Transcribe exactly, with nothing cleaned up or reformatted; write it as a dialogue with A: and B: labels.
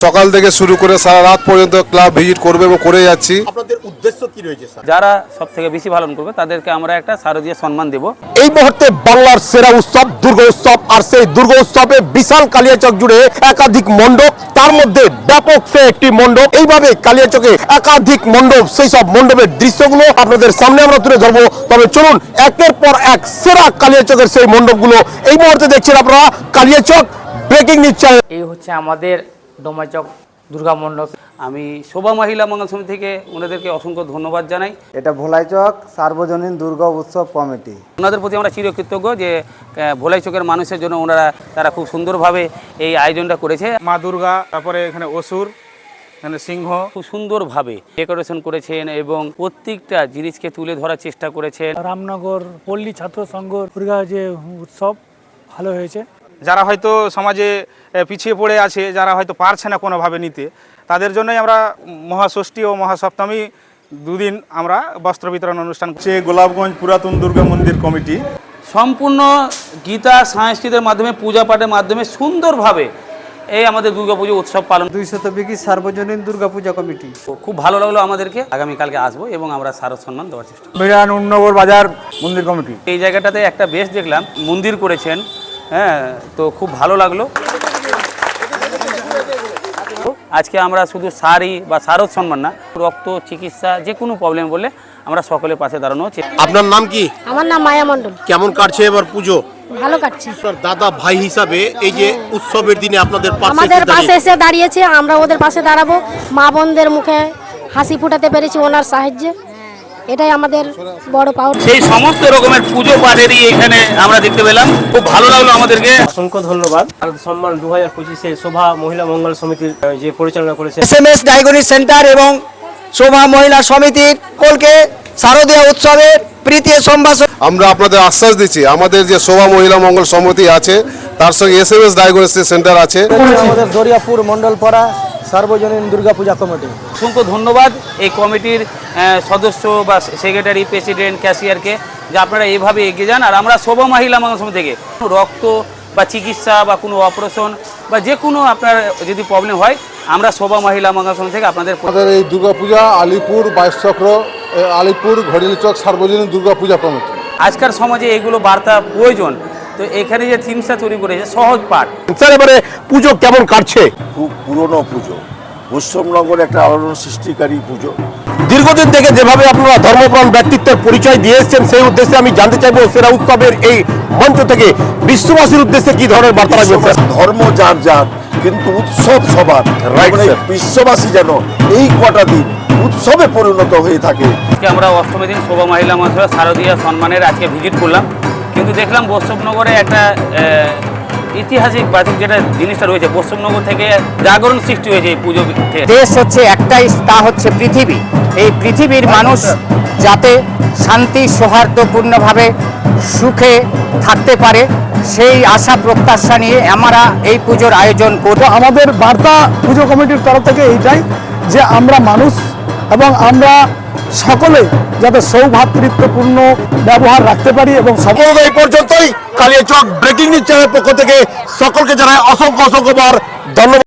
A: সকাল থেকে শুরু করে সারা রাত পর্যন্ত ক্লাব ভিজিট করবে এবং করে যাচ্ছি।
B: আপনাদের উদ্দেশ্য কি রয়েছে স্যার?
C: যারা সবথেকে বেশি পালন করবে তাদেরকে আমরা একটা শারদীয় সম্মান দেব।
D: এই মুহূর্তে বাংলার সেরা উৎসব দুর্গা উৎসব, আর সেই দুর্গা উৎসবে বিশাল কালিয়াচক জুড়ে একাধিক মণ্ডপ, তার মধ্যে ব্যাপক সে একটি মণ্ডপ। এইভাবে কালিয়াচকে একাধিক মণ্ডপ, সেই সব মণ্ডপের দৃশ্যগুলো আপনাদের সামনে আমরা তুলে ধরবো। তবে চলুন একের পর এক সেরা কালিয়াচকের সেই মণ্ডপগুলো এই মুহূর্তে দেখছেন আপনারা কালিয়াচক ব্রেকিং নিউজ চ্যানেল।
E: এই হচ্ছে আমাদের ডোমাচক দুর্গা মণ্ডপ।
C: আমি শোভা মহিলা মঙ্গল সমিতি থেকে ওনাদেরকে অসংখ্য ধন্যবাদ জানাই।
F: এটা ভোলাইচক সার্বজনীন দুর্গা উৎসব কমিটি,
C: ওনাদের প্রতি আমরা চিরকৃতজ্ঞ যে ভোলাই চকের মানুষের জন্য ওনারা তারা খুব সুন্দরভাবে এই আয়োজনটা করেছে।
G: মা দুর্গা, তারপরে এখানে অসুর, এখানে সিংহ,
C: খুব সুন্দরভাবে ডেকোরেশন করেছেন এবং প্রত্যেকটা জিনিসকে তুলে ধরার চেষ্টা করেছেন।
H: রামনগর পল্লী ছাত্র সংঘ দুর্গা যে উৎসব ভালো হয়েছে।
G: যারা হয়তো সমাজে পিছিয়ে পড়ে আছে, যারা হয়তো পারছে না কোনোভাবে নিতে, তাদের জন্যই আমরা মহাষষ্ঠী ও মহাসপ্তমী দুদিন আমরা বস্ত্র বিতরণ অনুষ্ঠান করছি।
B: গোলাপগঞ্জ পুরাতন দুর্গা মন্দির কমিটি
C: সম্পূর্ণ গীতা সংস্কৃতের মাধ্যমে পূজা পাঠের মাধ্যমে সুন্দরভাবে এই আমাদের দুর্গাপুজো উৎসব পালন।
F: দুই শতবিঘি সার্বজনীন দুর্গা পূজা কমিটি।
C: খুব ভালো লাগলো আমাদেরকে। আগামীকালকে আসবো এবং আমরা শারদ সম্মান দেওয়ার চেষ্টা করব।
G: বিরাননগর বাজার মন্দির কমিটি
C: এই জায়গাটাতে একটা বেশ দেখলাম মন্দির করেছেন, হ্যাঁ, তো খুব ভালো লাগলো। আজকে আমরা শুধু শাড়ি বা শারদ সম্মান না, রক্ত চিকিৎসা যে কোনো প্রবলেম বললে আমরা সকলের পাশে দাঁড়ানো হচ্ছে।
D: আপনার নাম কি?
I: আমার নাম মায়া মণ্ডল।
D: কেমন কাটছে এবার পুজো?
I: ভালো কাটছে।
D: দাদা ভাই হিসাবে এই যে উৎসবের দিনে আপনাদের পাশে
I: আমাদের পাশে এসে দাঁড়িয়েছে, আমরা ওদের পাশে দাঁড়াবো। মা বোনদের মুখে হাসি ফুটাতে পেরেছি ওনার সাহায্যে, এটাই আমাদের বড় পাওয়া।
C: সেই সমস্ত রকমের পুজো পাঠেরই এখানে আমরা দেখতে পেলাম, খুব ভালো লাগলো আমাদেরকে।
E: অসংখ্য ধন্যবাদ। শারদ সম্মান দু হাজার পঁচিশে শোভা মহিলা মঙ্গল সমিতির যে পরিচালনা করেছে
F: S M S diagnostic centre এবং শোভা মহিলা সমিতির সকলকে শারদীয় উৎসবের প্রীতি সম্ভাষণ।
A: আমরা আপনাদের আশ্বাস দিচ্ছি, আমাদের যে শোভা মহিলা মঙ্গল সমিতি আছে তার সঙ্গে S M S diagnosis centre আছে।
F: আমাদের দরিয়াপুর মন্ডলপাড়া সার্বজনীন দুর্গা পূজা কমিটি।
C: অসংখ্য ধন্যবাদ এই কমিটির সদস্য বা সেক্রেটারি, প্রেসিডেন্ট, ক্যাশিয়ারকে, যে আপনারা এইভাবে এগিয়ে যান। আর আমরা শোভা মহিলা মঙ্গল সমিতি থেকে রক্ত বা চিকিৎসা বা কোনো অপারেশন বা যে কোনো আপনার যদি প্রবলেম হয়, আমরা শোভা মহিলা মঙ্গল সমিতি থেকে আপনাদের
A: আমাদের এই দুর্গাপূজা আলিপুর বাইশ চক্র, আলিপুর ঘড়িয়ালি চক সার্বজনীন দুর্গাপূজা কমিটি।
C: আজকাল সমাজে এগুলো বার্তা প্রয়োজন, তো এখানে যে থিমসটা তৈরি করেছে সহজ পাঠ।
D: স্যার এবারে পুজো কেমন কাটছে?
J: খুব পুরনো পুজো, পশ্চিমবঙ্গের একটা আলোড়ন সৃষ্টিকারী পুজো।
D: দীর্ঘদিন থেকে যেভাবে আপনারা ধর্মপ্রাণ ব্যক্তিত্বের পরিচয় দিয়ে এসেছেন, সেই উদ্দেশ্যে আমি জানতে চাইবো সেরা উৎসবের এই মঞ্চ থেকে বিশ্ববাসীর উদ্দেশ্যে কি ধরনের বার্তা রাখবেন?
J: ধর্ম যার যার, কিন্তু উৎসব সবার। বিশ্ববাসী যেন এই কটা দিন উৎসবে পরিণত হয়ে থাকে।
C: আজকে আমরা অষ্টমী দিন শোভা মহিলা মহাসভা শারদীয় সম্মানের আজকে ভিজিট করলাম, কিন্তু দেখলাম বৈষ্ণবনগরে একটা ঐতিহাসিক বাতিক যেটা জিনিসটা রয়েছে, বৈষ্ণবনগর থেকে জাগরণ সৃষ্টি হয়েছে এই পুজো।
E: দেশ হচ্ছে একটাই, তা হচ্ছে পৃথিবী। এই পৃথিবীর মানুষ যাতে শান্তি সৌহার্দ্যপূর্ণভাবে সুখে থাকতে পারে, সেই আশা প্রত্যাশা নিয়ে আমরা এই পুজোর আয়োজন করব।
H: আমাদের বার্তা পুজো কমিটির তরফ থেকে এইটাই যে আমরা মানুষ এবং আমরা সকলে যাতে সৌভ্রাতৃত্বপূর্ণ ব্যবহার রাখতে পারি। এবং
D: সকল এই পর্যন্তই কালিয়াচক ব্রেকিং নিউজ চ্যানেলের পক্ষ থেকে সকলকে জানাই অসংখ্য অসংখ্যবার ধন্যবাদ।